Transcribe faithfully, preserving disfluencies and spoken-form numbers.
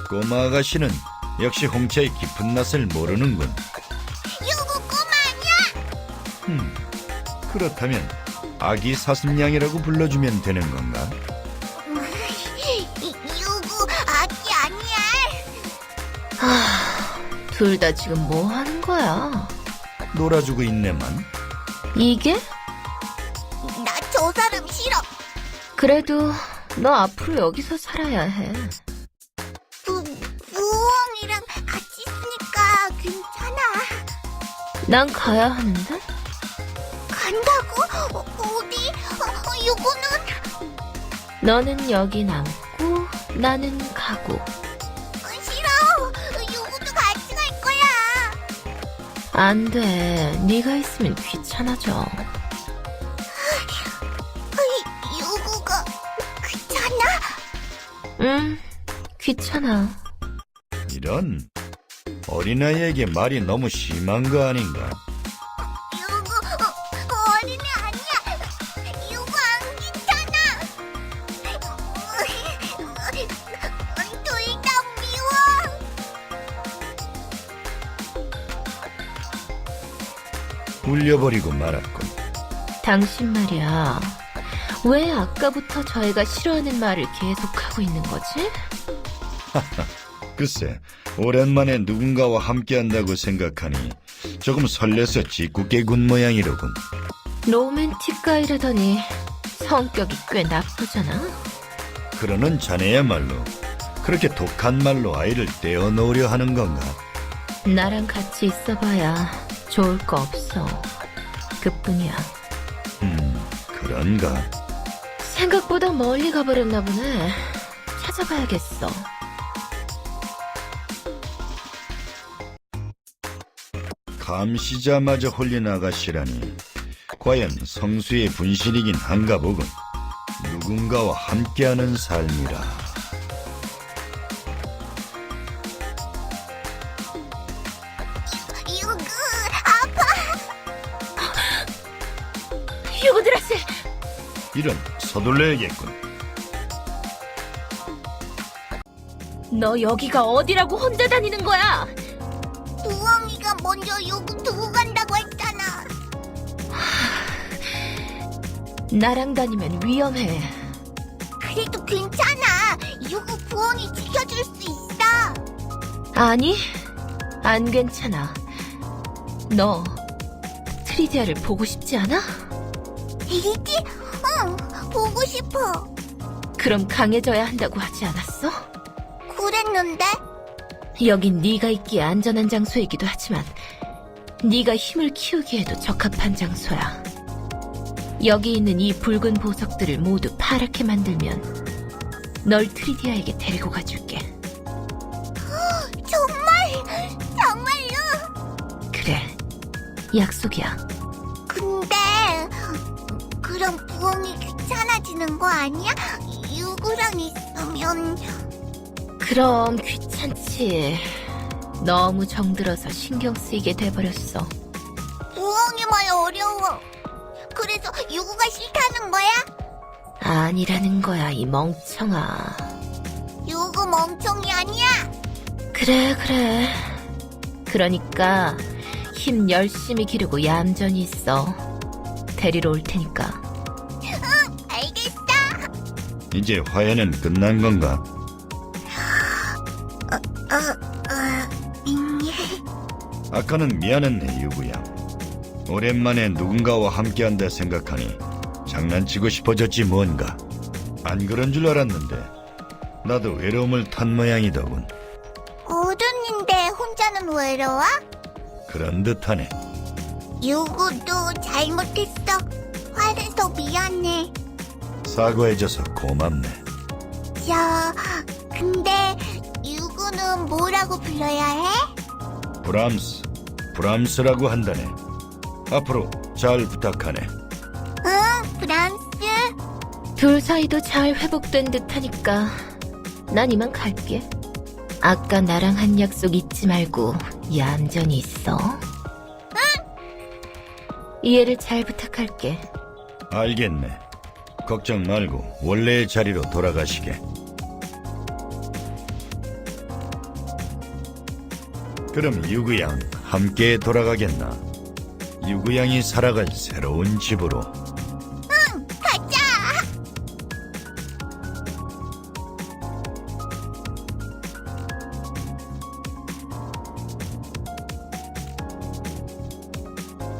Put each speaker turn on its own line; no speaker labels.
꼬마 아가씨는 역시 홍차의 깊은 맛을 모르는군.
요거 꼬마 아니야?
음, 그렇다면 아기 사슴양이라고 불러주면 되는 건가?
이- 요거 아기 아니야.
둘 다 지금 뭐 하는 거야?
놀아주고 있네만.
이게?
나 저 사람 싫어.
그래도 너 앞으로 여기서 살아야 해.
부, 부엉이랑 같이 있으니까 괜찮아.
난 가야 하는데?
간다고? 어, 어디? 어, 요거는
너는 여기 남고 나는 가고.
어, 싫어. 요거도 같이 갈 거야.
안 돼. 네가 있으면 귀찮아져.
어이, 요거가 귀찮아?
응, 귀찮아.
이런 어린아이에게 말이 너무 심한 거 아닌가?
요거 어, 어린애 아니야. 요거 안 귀찮아. 둘 다 미워.
울려버리고 말았군.
당신 말이야. 왜 아까부터 저 애가 싫어하는 말을 계속하고 있는 거지?
글쎄, 오랜만에 누군가와 함께한다고 생각하니 조금 설레서 짓궂게 군 모양이로군.
로맨틱 가이라더니 성격이 꽤 나쁘잖아.
그러는 자네야말로 그렇게 독한 말로 아이를 떼어놓으려 하는 건가?
나랑 같이 있어봐야 좋을 거 없어. 그뿐이야.
음, 그런가?
생각보다 멀리 가버렸나 보네. 찾아봐야겠어.
감시자마저 홀린 아가씨라니 과연 성수의 분신이긴 한가 보군. 누군가와 함께하는 삶이라.
요거 아파.
휴고드라스!
이런, 서둘러야겠군.
너 여기가 어디라고 혼자 다니는 거야?
부엉이가 먼저 요거 두고 간다고 했잖아.
나랑 다니면 위험해.
그래도 괜찮아. 요거 부엉이 지켜줄 수 있어.
아니, 안 괜찮아. 너 트리디아를 보고 싶지 않아?
이지? 응, 보고 싶어.
그럼 강해져야 한다고 하지 않았어?
그랬는데?
여긴 네가 있기에 안전한 장소이기도 하지만 네가 힘을 키우기에도 적합한 장소야. 여기 있는 이 붉은 보석들을 모두 파랗게 만들면 널 트리디아에게 데리고 가줄게.
정말? 정말요?
그래, 약속이야.
근데 그럼 부엉이 귀찮아지는 거 아니야? 요거랑 있으면.
그럼 귀찮지. 너무 정들어서 신경 쓰이게 돼버렸어.
부엉이 말 어려워. 그래서 요거가 싫다는 거야?
아니라는 거야, 이 멍청아.
요거 멍청이 아니야?
그래, 그래. 그러니까 힘 열심히 기르고 얌전히 있어. 데리러 올 테니까.
알겠어.
이제 화해는 끝난 건가?
어, 어, 음,
아까는 미안했네, 유구야. 오랜만에 누군가와 함께한다 생각하니 장난치고 싶어졌지 뭔가. 안 그런 줄 알았는데 나도 외로움을 탄 모양이더군.
어른인데 혼자는 외로워?
그런 듯하네.
요거도 잘못했어. 화내서 미안해.
사과해줘서 고맙네.
저, 근데 요거는 뭐라고 불러야 해?
브람스, 브람스라고 한다네. 앞으로 잘 부탁하네.
응, 브람스.
둘 사이도 잘 회복된 듯하니까 난 이만 갈게. 아까 나랑 한 약속 잊지 말고 얌전히 있어. 이해를 잘 부탁할게.
알겠네. 걱정 말고 원래의 자리로 돌아가시게. 그럼 유구양 함께 돌아가겠나? 유구양이 살아갈 새로운 집으로.